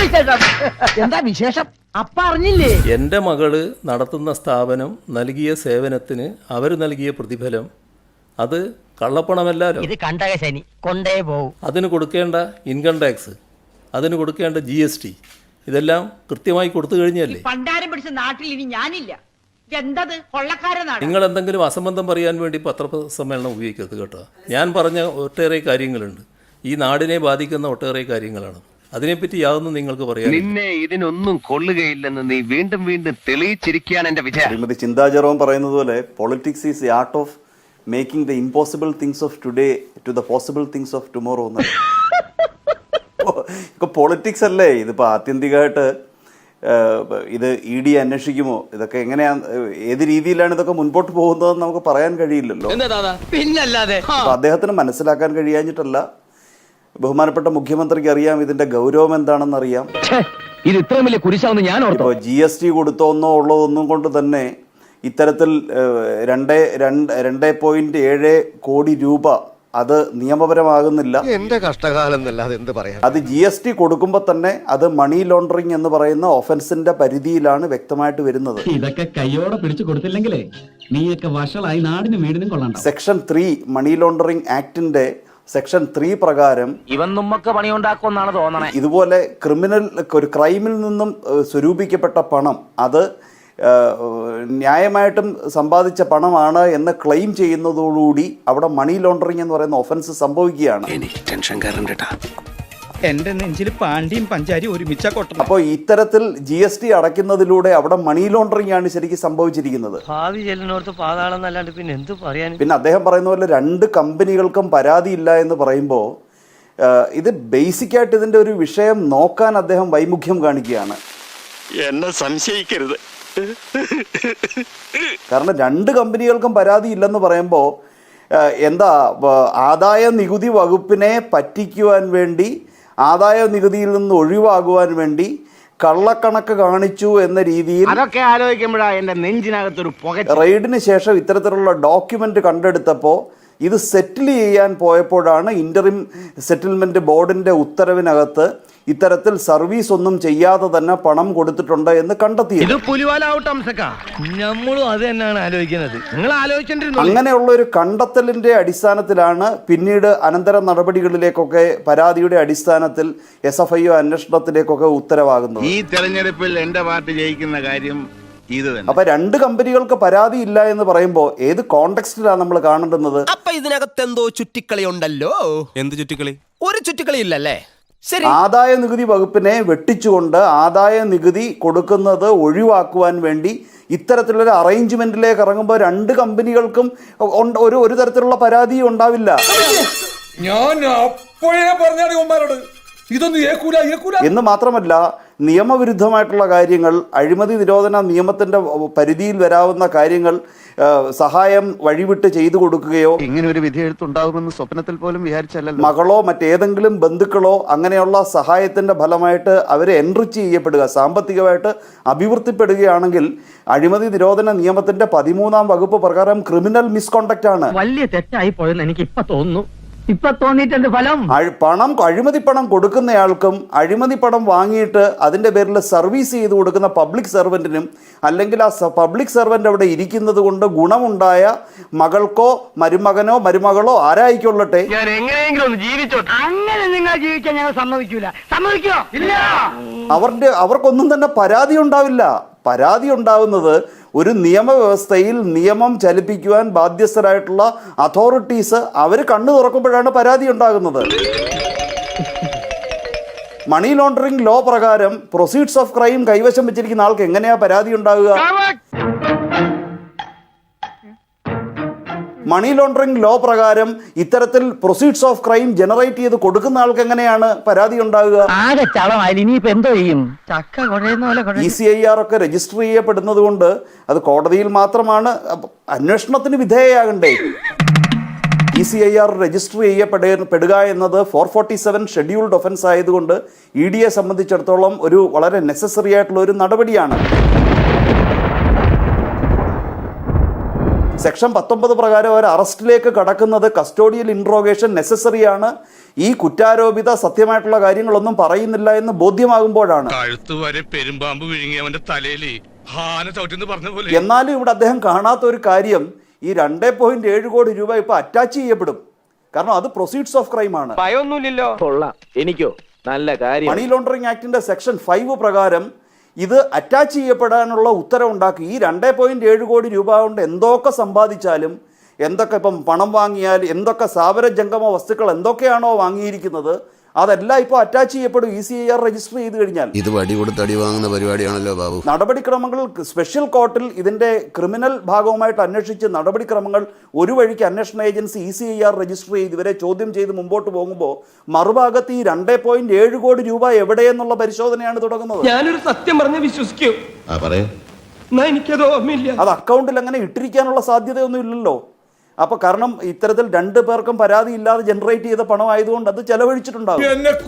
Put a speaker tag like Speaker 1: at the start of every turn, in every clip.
Speaker 1: എന്താ വിശേഷം? അപ്പ അറിഞ്ഞില്ലേ?
Speaker 2: എൻ്റെ മകള് നടത്തുന്ന സ്ഥാപനം നൽകിയ സേവനത്തിന് അവർ നൽകിയ പ്രതിഫലം അത് കള്ളപ്പണമല്ലല്ലോ.
Speaker 1: ഇത് കണ്ടക ശനി കൊണ്ടേ പോവും.
Speaker 2: അതിന് കൊടുക്കേണ്ട ഇൻകം ടാക്സ്, അതിന് കൊടുക്കേണ്ട GST ഇതെല്ലാം കൃത്യമായി കൊടുത്തു കഴിഞ്ഞല്ലേ.
Speaker 3: പണ്ടാരം പിടിച്ച നാട്ടിൽ ഇനി ഞാനില്ല. എന്തത് കൊള്ളക്കാരനാണ്.
Speaker 2: നിങ്ങൾ എന്തെങ്കിലും അസംബന്ധം പറയാൻ വേണ്ടി പത്രസമ്മേളനം ഉപയോഗിക്കരുത് കേട്ടോ. ഞാൻ പറഞ്ഞ ഒട്ടേറെ കാര്യങ്ങളുണ്ട്, ഈ നാടിനെ ബാധിക്കുന്ന ഒട്ടേറെ കാര്യങ്ങളാണ്. അതിനെപ്പറ്റി യാതൊന്നും നിങ്ങൾക്ക് പറയാം.
Speaker 4: നിന്നെ ഇതിനൊന്നും കൊള്ളുകയില്ലെന്ന് നീ വീണ്ടും വീണ്ടും തെളിയിച്ചിരിക്കുകയാണ് എന്റെ വിജയം.
Speaker 5: ശ്രീമതി ചിന്താ ജെറോം പറയുന്നത് പോലെ politics is the art of making the impossible things of today to the possible things of tomorrow എന്ന്. ഇപ്പൊ പൊളിറ്റിക്സ് അല്ലേ ഇതിപ്പോൾ ആത്യന്തികമായിട്ട് ഇത് ED അന്വേഷിക്കുമോ, ഇതൊക്കെ എങ്ങനെയാണ്, ഏത് രീതിയിലാണ് ഇതൊക്കെ മുൻപോട്ട് പോകുന്നതെന്ന് നമുക്ക് പറയാൻ കഴിയില്ലല്ലോ.
Speaker 1: പിന്നല്ലാതെ
Speaker 5: അദ്ദേഹത്തിന് മനസ്സിലാക്കാൻ കഴിയാഞ്ഞിട്ടല്ല, ബഹുമാനപ്പെട്ട മുഖ്യമന്ത്രിക്ക് അറിയാം ഇതിന്റെ ഗൗരവം എന്താണെന്ന് അറിയാം.
Speaker 1: ഇത് ഇത്രയും വലിയ കുരിശാവെന്ന് ഞാൻ ഓർത്തു.
Speaker 5: GST കൊടുത്തോന്നോ ഉള്ളതൊന്നും കൊണ്ട് തന്നെ ഇത്തരത്തിൽ 2.7 കോടി രൂപ അത് നിയമപരമാകുന്നില്ല.
Speaker 6: എന്റെ കഷ്ടകാലം എന്നല്ലാതെ എന്ത് പറയാം.
Speaker 5: അത് GST കൊടുക്കുമ്പോൾ തന്നെ അത് മണി ലോണ്ടറിങ് എന്ന് പറയുന്ന ഒഫൻസിന്റെ പരിധിയിലാണ് വ്യക്തമായിട്ട് വരുന്നത്.
Speaker 7: ഇതൊക്കെ കയ്യോടെ പിടിച്ചു കൊടുത്തില്ലെങ്കിലേ നീയൊക്കെ വഷളായി നാടിനും വീടിനും കൊള്ളണ്ട.
Speaker 5: സെക്ഷൻ 3 മണി ലോണ്ടറിങ് ആക്ടിന്റെ സെക്ഷൻ 3 പ്രകാരം
Speaker 1: ഇവൻ നമ്മക്ക് പണിയുണ്ടാക്കുമെന്നാണ് തോന്നണേ.
Speaker 5: ഇതുപോലെ ഒരു ക്രൈമിൽ നിന്നും സ്വരൂപിക്കപ്പെട്ട പണം അത് ന്യായമായിട്ടും സമ്പാദിച്ച പണമാണ് എന്ന് ക്ലെയിം ചെയ്യുന്നതോടുകൂടി അവിടെ മണി ലോണ്ടറിങ് എന്ന് പറയുന്ന ഒഫൻസ് സംഭവിക്കുകയാണ്.
Speaker 8: എന്റെ നെഞ്ചിൽ പാണ്ടിയും പഞ്ചാരി ഒരുമിച്ച കൊട്ടണം.
Speaker 5: അപ്പോൾ ഇത്തരത്തിൽ GST അടയ്ക്കുന്നതിലൂടെ അവിടെ മണി ലോണ്ടറിങ് ആണ് ശരിക്കും സംഭവിച്ചിരിക്കുന്നത്. പിന്നെ അദ്ദേഹം പറയുന്ന പോലെ 2 കമ്പനികൾക്കും പരാതിയില്ല എന്ന് പറയുമ്പോൾ ഇത് ബേസിക്കായിട്ട് ഇതിന്റെ ഒരു വിഷയം നോക്കാൻ അദ്ദേഹം വൈമുഖ്യം കാണിക്കുകയാണ്.
Speaker 6: എന്നെ സംശയിക്കരുത്.
Speaker 5: കാരണം 2 കമ്പനികൾക്കും പരാതി ഇല്ലെന്ന് പറയുമ്പോൾ എന്താ, ആദായ നികുതി വകുപ്പിനെ പറ്റിക്കുവാൻ വേണ്ടി, ആദായ നികുതിയിൽ നിന്ന് ഒഴിവാകുവാൻ വേണ്ടി കള്ളക്കണക്ക് കാണിച്ചു എന്ന രീതിയിൽ
Speaker 1: അതൊക്കെ ആലോചിക്കുമ്പോഴാണ് എന്റെ നെഞ്ചിനകത്തൊരു പുക.
Speaker 5: റെയ്ഡിന് ശേഷം ഇത്തരത്തിലുള്ള ഡോക്യുമെന്റ് കണ്ടെടുത്തപ്പോൾ ഇത് സെറ്റിൽ ചെയ്യാൻ പോയപ്പോഴാണ് ഇന്ററിം സെറ്റിൽമെന്റ് ബോർഡിന്റെ ഉത്തരവിനകത്ത് ഇത്തരത്തിൽ സർവീസ് ഒന്നും ചെയ്യാതെ തന്നെ പണം കൊടുത്തിട്ടുണ്ട് എന്ന് കണ്ടെത്തിയത്. അങ്ങനെയുള്ള ഒരു കണ്ടെത്തലിന്റെ അടിസ്ഥാനത്തിലാണ് പിന്നീട് അനന്തര നടപടികളിലേക്കൊക്കെ പരാതിയുടെ അടിസ്ഥാനത്തിൽ SFIO അന്വേഷണത്തിലേക്കൊക്കെ ഉത്തരവാകുന്നത്.
Speaker 6: ഈ തെരഞ്ഞെടുപ്പിൽ എന്റെ പാർട്ടി ജയിക്കുന്ന കാര്യം ഇത് തന്നെ.
Speaker 5: അപ്പൊ 2 കമ്പനികൾക്ക് പരാതി ഇല്ല എന്ന് പറയുമ്പോൾ ഏത് കോണ്ടെക്സ്റ്റിലാണ് നമ്മൾ കാണേണ്ടുന്നത്?
Speaker 9: അപ്പൊ ഇതിനകത്ത് എന്തോ ചുറ്റിക്കളി ഉണ്ടല്ലോ. എന്ത് ചുറ്റിക്കളി? ഒരു ചുറ്റിക്കളി ഇല്ലല്ലേ.
Speaker 5: ആദായ നികുതി വകുപ്പിനെ വെട്ടിച്ചുകൊണ്ട് ആദായ നികുതി കൊടുക്കുന്നത് ഒഴിവാക്കുവാൻ വേണ്ടി ഇത്തരത്തിലൊരു അറേഞ്ച്മെന്റിലേക്ക് ഇറങ്ങുമ്പോൾ 2 കമ്പനികൾക്കും ഒരു തരത്തിലുള്ള പരാതിയും ഉണ്ടാവില്ല.
Speaker 10: ഞാൻ അപ്പോഴേ പറഞ്ഞാണ്
Speaker 5: എന്ന് മാത്രമല്ല, നിയമവിരുദ്ധമായിട്ടുള്ള കാര്യങ്ങൾ, അഴിമതി നിരോധന നിയമത്തിന്റെ പരിധിയിൽ വരാവുന്ന കാര്യങ്ങൾ സഹായം വഴിവിട്ട് ചെയ്തു കൊടുക്കുകയോ,
Speaker 4: ഇങ്ങനെ ഒരു വിധി എഴുത്തുണ്ടാകുമെന്ന് സ്വപ്നത്തിൽ പോലും വിചാരിച്ചല്ലോ.
Speaker 5: മകളോ മറ്റേതെങ്കിലും ബന്ധുക്കളോ അങ്ങനെയുള്ള സഹായത്തിന്റെ ഫലമായിട്ട് അവരെ എൻറിച്ച് ചെയ്യപ്പെടുക, സാമ്പത്തികമായിട്ട് അഭിവൃദ്ധിപ്പെടുകയാണെങ്കിൽ അഴിമതി നിരോധന നിയമത്തിന്റെ 13-ാം വകുപ്പ് പ്രകാരം ക്രിമിനൽ മിസ്കോണ്ടക്ട് ആണ്.
Speaker 1: വലിയ തെറ്റായി പോയെന്ന് എനിക്ക് ഇപ്പൊ തോന്നുന്നു. ഇപ്പൊ തോന്നിയിട്ടുണ്ട് ഫലം.
Speaker 5: അഴിമതി പണം കൊടുക്കുന്നയാൾക്കും അഴിമതി പണം വാങ്ങിയിട്ട് അതിന്റെ പേരിൽ സർവീസ് ചെയ്ത് കൊടുക്കുന്ന പബ്ലിക് സർവന്റിനും, അല്ലെങ്കിൽ ആ പബ്ലിക് സർവന്റ് അവിടെ ഇരിക്കുന്നത് കൊണ്ട് ഗുണമുണ്ടായ മകൾക്കോ മരുമകനോ മരുമകളോ ആരായിക്കൊള്ളട്ടെ,
Speaker 1: ഞാൻ എങ്ങനെയെങ്കിലും ഒന്ന് ജീവിച്ചോട്ടെ. അങ്ങനെ നിങ്ങൾ ജീവിക്കാൻ ഞങ്ങൾ സമ്മതിക്കൂല. സമ്മതിക്കോ? ഇല്ല.
Speaker 5: അവർക്കൊന്നും തന്നെ പരാതി ഉണ്ടാവില്ല. പരാതി ഉണ്ടാവുന്നത് ഒരു നിയമവ്യവസ്ഥയിൽ നിയമം ചലിപ്പിക്കുവാൻ ബാധ്യസ്ഥരായിട്ടുള്ള അതോറിറ്റീസ് അവർ കണ്ണു തുറക്കുമ്പോഴാണ് പരാതി ഉണ്ടാകുന്നത്. മണി ലോണ്ടറിംഗ് ലോ പ്രകാരം പ്രൊസീഡ്സ് ഓഫ് ക്രൈം കൈവശം വെച്ചിരിക്കുന്ന ആൾക്ക് എങ്ങനെയാ പരാതി ഉണ്ടാകുക? മണി ലോണ്ടറിംഗ് ലോ പ്രകാരം ഇത്തരത്തിൽ പ്രൊസീഡ്സ് ഓഫ് ക്രൈം ജനറേറ്റ് ചെയ്ത് കൊടുക്കുന്ന ആൾക്ക് എങ്ങനെയാണ് പരാതി ഉണ്ടാകുക? ECIR ഒക്കെ രജിസ്റ്റർ ചെയ്യപ്പെടുന്നത് കൊണ്ട് അത് കോടതിയിൽ മാത്രമാണ് അന്വേഷണത്തിന് വിധേയയാകണ്ടേ. ECIR രജിസ്റ്റർ ചെയ്യപ്പെടുക എന്നത് 447 ഷെഡ്യൂൾഡ് ഒഫൻസ് ആയതുകൊണ്ട് EDയെ സംബന്ധിച്ചിടത്തോളം ഒരു വളരെ നെസസറി ആയിട്ടുള്ള ഒരു നടപടിയാണ്. സെക്ഷൻ 19 പ്രകാരം അവർ അറസ്റ്റിലേക്ക് കടക്കുന്നത് കസ്റ്റോഡിയൽ ഇൻട്രോഗേഷൻ നെസസറിയാണ്. ഈ കുറ്റാരോപിത സത്യമായിട്ടുള്ള കാര്യങ്ങളൊന്നും പറയുന്നില്ല എന്ന് ബോധ്യമാകുമ്പോഴാണ്. എന്നാലും ഇവിടെ അദ്ദേഹം കാണാത്ത ഒരു കാര്യം, ഈ 2.7 കോടി രൂപ ഇപ്പൊ അറ്റാച്ച് ചെയ്യപ്പെടും. കാരണം അത് പ്രൊസീഡ്സ് ഓഫ് ക്രൈം ആണ്.
Speaker 1: ഭയമൊന്നുമില്ലല്ലോ. കൊള്ളാം. എനിക്കോ നല്ല കാര്യം.
Speaker 5: മണി ലോണ്ടറിംഗ് ആക്ടിന്റെ സെക്ഷൻ 5 പ്രകാരം ഇത് അറ്റാച്ച് ചെയ്യപ്പെടാനുള്ള ഉത്തരവുണ്ടാക്കി. ഈ 2.7 കോടി രൂപ കൊണ്ട് എന്തൊക്കെ സമ്പാദിച്ചാലും, എന്തൊക്കെ ഇപ്പം പണം വാങ്ങിയാൽ, എന്തൊക്കെ സ്ഥാവര ജംഗമ വസ്തുക്കൾ എന്തൊക്കെയാണോ വാങ്ങിയിരിക്കുന്നത്, അതെല്ലാം ഇപ്പോൾ അറ്റാച്ച് ചെയ്യപ്പെടും ECIR രജിസ്റ്റർ ചെയ്ത് കഴിഞ്ഞാൽ.
Speaker 10: ഇത് വടി കൊടുത്ത് അടി വാങ്ങുന്ന പരിപാടിയാണല്ലോ ബാബു.
Speaker 5: നടപടിക്രമങ്ങൾ സ്പെഷ്യൽ കോർട്ടിൽ ഇതിന്റെ ക്രിമിനൽ ഭാഗവുമായിട്ട് അന്വേഷിച്ച് നടപടിക്രമങ്ങൾ ഒരു വഴിക്ക് അന്വേഷണ ഏജൻസി ECIR രജിസ്റ്റർ ചെയ്ത് ഇവരെ ചോദ്യം ചെയ്ത് മുമ്പോട്ട് പോകുമ്പോൾ മറുഭാഗത്ത് ഈ 2.7 കോടി രൂപ എവിടെയെന്നുള്ള പരിശോധനയാണ് തുടങ്ങുന്നത്.
Speaker 1: ഞാനൊരു സത്യം പറഞ്ഞ് വിശ്വസിക്കൂ. എനിക്കത് ഓർമ്മയില്ല.
Speaker 5: അത് അക്കൗണ്ടിൽ അങ്ങനെ ഇട്ടിരിക്കാനുള്ള സാധ്യതയൊന്നും ഇല്ലല്ലോ. അപ്പൊ കാരണം ഇത്തരത്തിൽ 2 പേർക്കും പരാതി ഇല്ലാതെ ജനറേറ്റ് ചെയ്ത പണമായതുകൊണ്ട് അത് ചെലവഴിച്ചിട്ടുണ്ടാകും.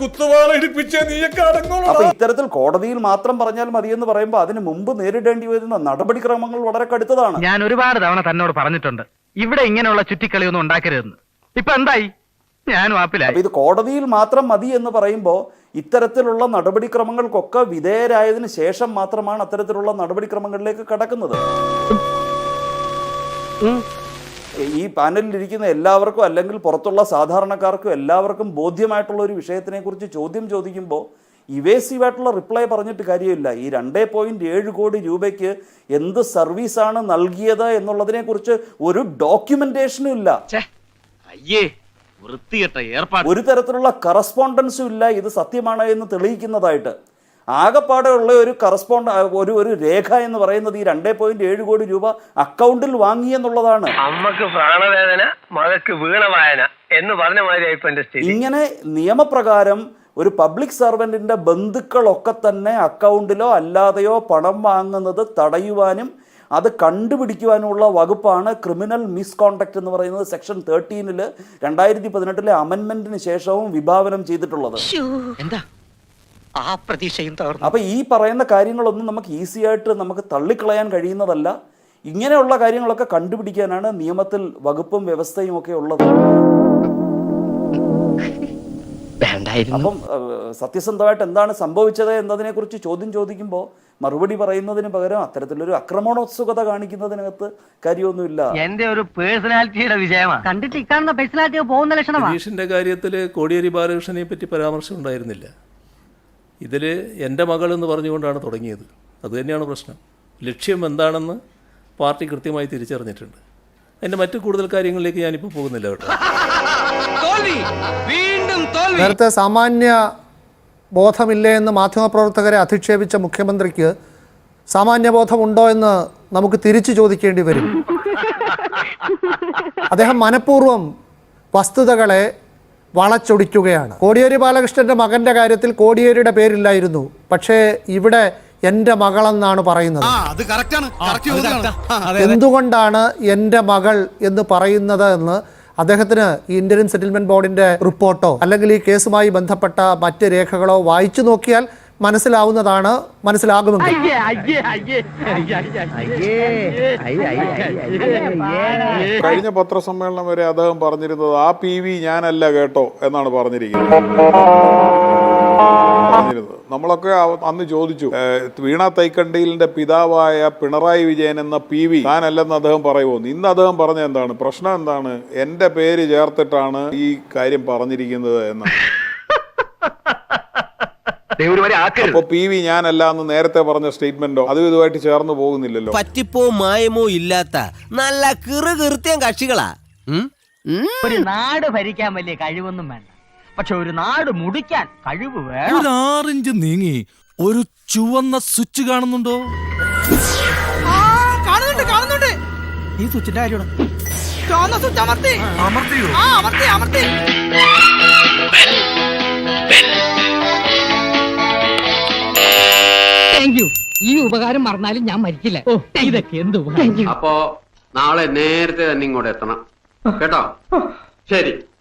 Speaker 5: അപ്പൊ ഇത്തരത്തിൽ കോടതിയിൽ മാത്രം പറഞ്ഞാൽ മതിയെന്ന് പറയുമ്പോൾ അതിന് മുമ്പ് നേരിടേണ്ടി വരുന്ന നടപടിക്രമങ്ങൾ വളരെ കടുത്തതാണ്.
Speaker 1: ഞാൻ ഒരുപാട് തവണ തന്നോട് പറഞ്ഞിട്ടുണ്ട്, ഇവിടെ ഇങ്ങനെയുള്ള ചുറ്റിക്കളിയൊന്നും ഉണ്ടാക്കരുതെന്ന്. ഇപ്പൊ എന്തായി? ഞാനും ആപ്പിലായി.
Speaker 5: അപ്പൊ ഇത് കോടതിയിൽ മാത്രം മതി എന്ന് പറയുമ്പോൾ ഇത്തരത്തിലുള്ള നടപടിക്രമങ്ങൾക്കൊക്കെ വിധേയരായതിനു ശേഷം മാത്രമാണ് അത്തരത്തിലുള്ള നടപടിക്രമങ്ങളിലേക്ക് കടക്കുന്നത്. ഈ പാനലിൽ ഇരിക്കുന്ന എല്ലാവർക്കും അല്ലെങ്കിൽ പുറത്തുള്ള സാധാരണക്കാർക്കും എല്ലാവർക്കും ബോധ്യമായിട്ടുള്ള ഒരു വിഷയത്തിനെ കുറിച്ച് ചോദ്യം ചോദിക്കുമ്പോൾ ഇവേസീവായിട്ടുള്ള റിപ്ലൈ പറഞ്ഞിട്ട് കാര്യമില്ല. ഈ 2.7 കോടി രൂപയ്ക്ക് എന്ത് സർവീസാണ് നൽകിയത് എന്നുള്ളതിനെ കുറിച്ച് ഒരു ഡോക്യുമെന്റേഷനും ഇല്ല. ഒരു തരത്തിലുള്ള കറസ്പോണ്ടൻസും ഇല്ല ഇത് സത്യമാണ് എന്ന് തെളിയിക്കുന്നതായിട്ട്. ആകെപ്പാടെ ഉള്ള ഒരു ഒരു രേഖ എന്ന് പറയുന്നത് ഈ 2.7 കോടി രൂപ അക്കൗണ്ടിൽ വാങ്ങി എന്നുള്ളതാണ്.
Speaker 1: അമ്മക്ക് പ്രാണവേദന, മകക്ക് വീണവായന എന്ന് പറഞ്ഞ മാതിരി.
Speaker 5: ഇങ്ങനെ നിയമപ്രകാരം ഒരു പബ്ലിക് സർവന്റിന്റെ ബന്ധുക്കളൊക്കെ തന്നെ അക്കൗണ്ടിലോ അല്ലാതെയോ പണം വാങ്ങുന്നത് തടയുവാനും അത് കണ്ടുപിടിക്കുവാനുള്ള വകുപ്പാണ് ക്രിമിനൽ മിസ്കോണ്ടക്ട് എന്ന് പറയുന്നത് സെക്ഷൻ 13 2018 അമെൻമെന്റിന് ശേഷവും വിഭാവനം ചെയ്തിട്ടുള്ളത്.
Speaker 1: എന്താ ആ പ്രതീക്ഷയും തകർന്നു.
Speaker 5: അപ്പൊ ഈ പറയുന്ന കാര്യങ്ങളൊന്നും നമുക്ക് ഈസി ആയിട്ട് നമുക്ക് തള്ളിക്കളയാൻ കഴിയുന്നതല്ല. ഇങ്ങനെയുള്ള കാര്യങ്ങളൊക്കെ കണ്ടുപിടിക്കാനാണ് നിയമത്തിൽ വകുപ്പും വ്യവസ്ഥയും ഒക്കെ ഉള്ളത്. അപ്പം സത്യസന്ധമായിട്ട് എന്താണ് സംഭവിച്ചത് എന്നതിനെ കുറിച്ച് ചോദ്യം ചോദിക്കുമ്പോൾ മറുപടി പറയുന്നതിന് പകരം അത്തരത്തിലൊരു ആക്രമണോത്സുകത കാണിക്കുന്നതിനകത്ത് കാര്യമൊന്നുമില്ല.
Speaker 1: എന്റെ ഒരു പേഴ്സണാലിറ്റിയുടെ വിജയമാണ്. കണ്ടിട്ട് ഇക്കാണുന്ന പേഴ്സണാലിറ്റി പോകുന്ന ലക്ഷണമാണ്.
Speaker 2: രതീഷിന്റെ കാര്യത്തിൽ കോടിയേരി ബാലകൃഷ്ണനെ പറ്റി പരാമർശം ഉണ്ടായിരുന്നില്ല. ഇതിൽ എൻ്റെ മകൾ എന്ന് പറഞ്ഞുകൊണ്ടാണ് തുടങ്ങിയത്. അതുതന്നെയാണ് പ്രശ്നം. ലക്ഷ്യം എന്താണെന്ന് പാർട്ടി കൃത്യമായി തിരിച്ചറിഞ്ഞിട്ടുണ്ട്. അതിൻ്റെ മറ്റു കൂടുതൽ കാര്യങ്ങളിലേക്ക് ഞാനിപ്പോൾ പോകുന്നില്ല കേട്ടോ.
Speaker 11: നേരത്തെ സാമാന്യ ബോധമില്ലേ എന്ന് മാധ്യമപ്രവർത്തകരെ അധിക്ഷേപിച്ച മുഖ്യമന്ത്രിക്ക് സാമാന്യബോധമുണ്ടോ എന്ന് നമുക്ക് തിരിച്ചു ചോദിക്കേണ്ടി വരും. അദ്ദേഹം മനഃപൂർവ്വം വസ്തുതകളെ വളച്ചൊടിക്കുകയാണ്. കോടിയേരി ബാലകൃഷ്ണന്റെ മകന്റെ കാര്യത്തിൽ കോടിയേരിയുടെ പേരില്ലായിരുന്നു, പക്ഷേ ഇവിടെ എൻ്റെ മകളെന്നാണ് പറയുന്നത്. എന്തുകൊണ്ടാണ് എൻ്റെ മകൾ എന്ന് പറയുന്നത് എന്ന് അദ്ദേഹത്തിന് ഈ ഇന്ത്യൻ സെറ്റിൽമെന്റ് ബോർഡിന്റെ റിപ്പോർട്ടോ അല്ലെങ്കിൽ ഈ കേസുമായി ബന്ധപ്പെട്ട മറ്റ് രേഖകളോ വായിച്ചു നോക്കിയാൽ മനസ്സിലാവുന്നതാണ്, മനസ്സിലാകുമെങ്കിൽ.
Speaker 10: കഴിഞ്ഞ പത്രസമ്മേളനം വരെ അദ്ദേഹം പറഞ്ഞിരുന്നത് ആ PV ഞാനല്ല കേട്ടോ എന്നാണ് പറഞ്ഞിരിക്കുന്നത്. നമ്മളൊക്കെ അന്ന് ചോദിച്ചു, വീണ തൈക്കണ്ടിയിലിന്റെ പിതാവായ പിണറായി വിജയൻ എന്ന PV താനല്ലെന്ന് അദ്ദേഹം പറയുമോ? ഇന്ന് അദ്ദേഹം പറഞ്ഞ എന്താണ് പ്രശ്നം? എന്താണ് എന്റെ പേര് ചേർത്തിട്ടാണ് ഈ കാര്യം പറഞ്ഞിരിക്കുന്നത് എന്നാണ്. അപ്പൊ PV ഞാനല്ല എന്ന് നേരത്തെ പറഞ്ഞ സ്റ്റേറ്റ്മെന്റോ അതും ഇതുമായിട്ട് ചേർന്ന് പോകുന്നില്ലല്ലോ.
Speaker 9: പറ്റിപ്പോ മായമോ ഇല്ലാത്ത നല്ല കൃത്യം കക്ഷികളാ.
Speaker 1: ഒരു നാട് ഭരിക്കാൻ വലിയ കഴിവൊന്നും വേണ്ട, പക്ഷെ ഒരു നാട് മുടിക്കാൻ കഴിവ് വേണം.
Speaker 8: ഒരു 6 ഇഞ്ച് നീങ്ങി ഒരു ചുവന്ന സ്വിച്ച് കാണുന്നുണ്ടോ?
Speaker 3: കാണുന്നുണ്ട്.
Speaker 8: ഈ സ്വിച്ചിന്റെ കാര്യമാണ്.
Speaker 3: ചുവന്ന സ്വിച്ച് അമർത്തി. അമർത്തി.
Speaker 1: ഈ ഉപകാരം മറന്നാലും ഞാൻ മരിക്കില്ല. ഇതൊക്കെ എന്ത് ഉപകാരം.
Speaker 12: അപ്പോ നാളെ നേരത്തെ തന്നെ ഇങ്ങോട്ട് എത്തണം കേട്ടോ. ശരി.